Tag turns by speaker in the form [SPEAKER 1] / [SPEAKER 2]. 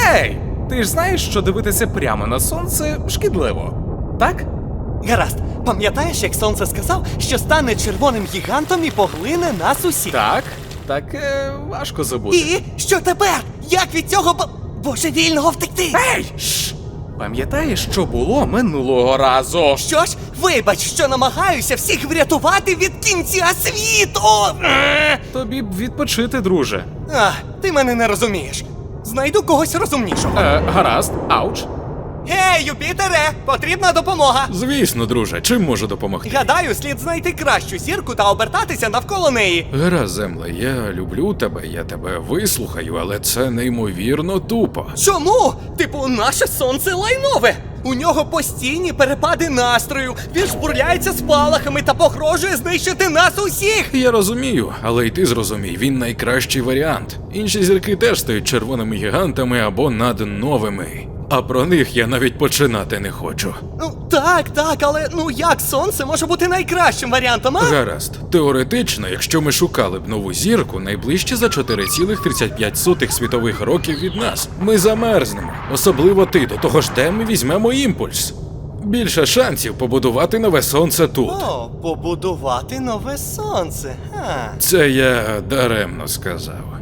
[SPEAKER 1] Ей! Ти ж знаєш, що дивитися прямо на сонце шкідливо, так?
[SPEAKER 2] Гаразд, пам'ятаєш, як сонце сказав, що стане червоним гігантом і поглине нас усіх?
[SPEAKER 1] Так, важко забути.
[SPEAKER 2] І що тепер? Як від цього божевільного втекти?
[SPEAKER 1] Ей! Шш! Пам'ятаєш, що було минулого разу?
[SPEAKER 2] Що ж, вибач, що намагаюся всіх врятувати від кінця світу!
[SPEAKER 1] Тобі б відпочити, друже.
[SPEAKER 2] Ти мене не розумієш. Знайду когось розумнішого.
[SPEAKER 1] Гаразд, ауч.
[SPEAKER 2] Гей, Юпітере, потрібна допомога.
[SPEAKER 1] Звісно, друже, чим можу допомогти?
[SPEAKER 2] Гадаю, слід знайти кращу зірку та обертатися навколо неї.
[SPEAKER 3] Гаразд, земле, я люблю тебе, я тебе вислухаю, але це неймовірно тупо.
[SPEAKER 2] Чому? Типу, наше сонце лайнове. У нього постійні перепади настрою, він жбурляється спалахами та погрожує знищити нас усіх.
[SPEAKER 3] Я розумію, але й ти зрозумій, він найкращий варіант. Інші зірки теж стають червоними гігантами або надновими. А про них я навіть починати не хочу.
[SPEAKER 2] Так, але як сонце може бути найкращим варіантом, а?
[SPEAKER 3] Гаразд. Теоретично, якщо ми шукали б нову зірку, найближче за 4,35 світових років від нас, ми замерзнемо. Особливо ти, до того ж де ми візьмемо імпульс. Більше шансів побудувати нове сонце тут.
[SPEAKER 2] Побудувати нове сонце.
[SPEAKER 3] Це я даремно сказав.